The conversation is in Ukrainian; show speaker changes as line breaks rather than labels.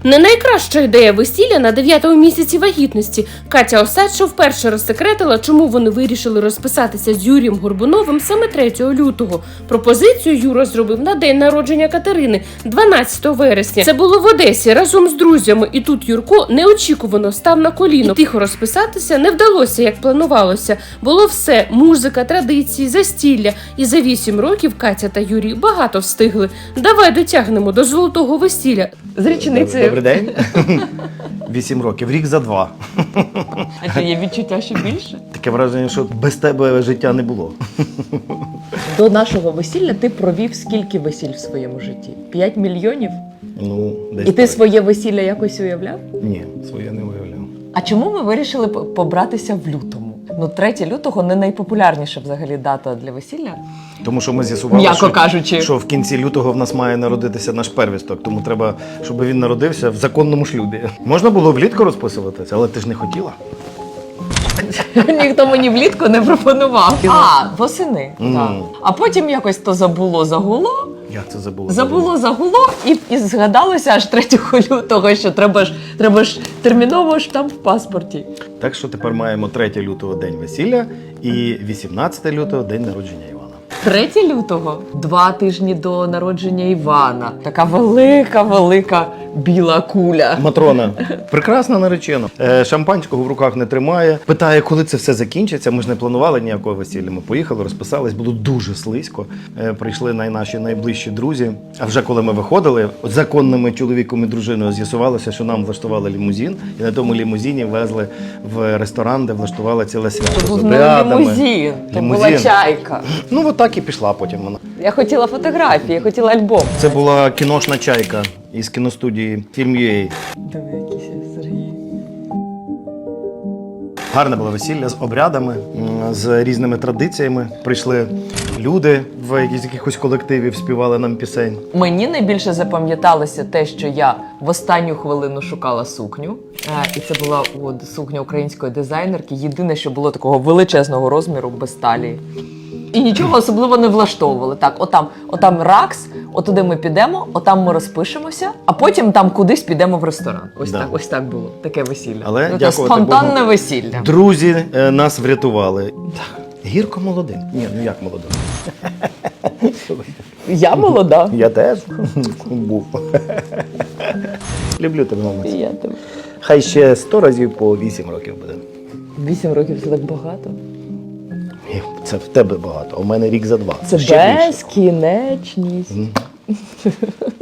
Не найкраща ідея весілля на 9-му місяці вагітності. Катя Осадча вперше розсекретила, чому вони вирішили розписатися з Юрієм Горбуновим саме 3 лютого. Пропозицію Юра зробив на день народження Катерини, 12 вересня. Це було в Одесі разом з друзями, і тут Юрко неочікувано став на коліно. І тихо розписатися не вдалося, як планувалося. Було все – музика, традиції, застілля. І за 8 років Катя та Юрій багато встигли. Давай дотягнемо до золотого весілля.
З річниці.
Добрий день. 8 років, рік за 2.
А чи є відчуття, що більше?
Таке враження, що без тебе життя не було.
До нашого весілля ти провів скільки весіль в своєму житті? 5 мільйонів?
Ну, десь
І ти
так.
своє весілля якось уявляв?
Ні, своє не уявляв.
А чому ми вирішили побратися в лютому? Ну, 3 лютого не найпопулярніша взагалі дата для весілля.
Тому що ми з'ясували,
М'яко кажучи.
що в кінці лютого в нас має народитися наш первісток, тому треба, щоб він народився в законному шлюбі. Можна було влітку розписуватися, але ти ж не хотіла.
Ніхто мені влітку не пропонував. А, восени.
Мгм.
Так. А потім якось то загуло,
Як це забула?
загуло і згадалося аж 3 лютого, що треба ж терміново штамп в паспорті.
Так що тепер маємо 3 лютого день весілля і 18 лютого день народження Івана.
3 лютого, 2 тижні до народження Івана. Така велика біла куля.
Матрона, прекрасна наречена. Шампанського в руках не тримає. Питає, коли це все закінчиться. Ми ж не планували ніякого весілля. Ми поїхали, розписались, було дуже слизько. Прийшли наші найближчі друзі. А вже коли ми виходили, законними чоловіком і дружиною з'ясувалося, що нам влаштували лімузин. І на тому лімузині везли в ресторан, де влаштували ціле свято.
Це
з
був не
обрядами.
лімузин, то була
Лімузин.
чайка.
Ну, от так і пішла потім вона.
Я хотіла фотографії, я хотіла альбом.
Це була кіношна чайка із кіностудії Film.ua.
Диви, якийсь Сергій.
Гарне було весілля з обрядами, з різними традиціями. Прийшли люди в якихось колективів, співали нам пісень.
Мені найбільше запам'яталося те, що я в останню хвилину шукала сукню. І це була сукня української дизайнерки. Єдине, що було такого величезного розміру, без талії. І нічого особливо не влаштовували. Так, отам ракс, отуди ми підемо, отам ми розпишемося, а потім там кудись підемо в ресторан. Ось так було, таке весілля.
Але,
це
дякувати
спонтанне
Богу,
весілля.
Друзі нас врятували. Гірко молодим. Ні, ну як молодим?
Я молода.
Я теж був. Люблю тебе, мама.
Я тебе.
Хай ще 100 разів по 8 років буде.
8 років це так багато.
Ні, це в тебе багато, а у мене рік за 2.
Це
Ще більше.
безкінечність.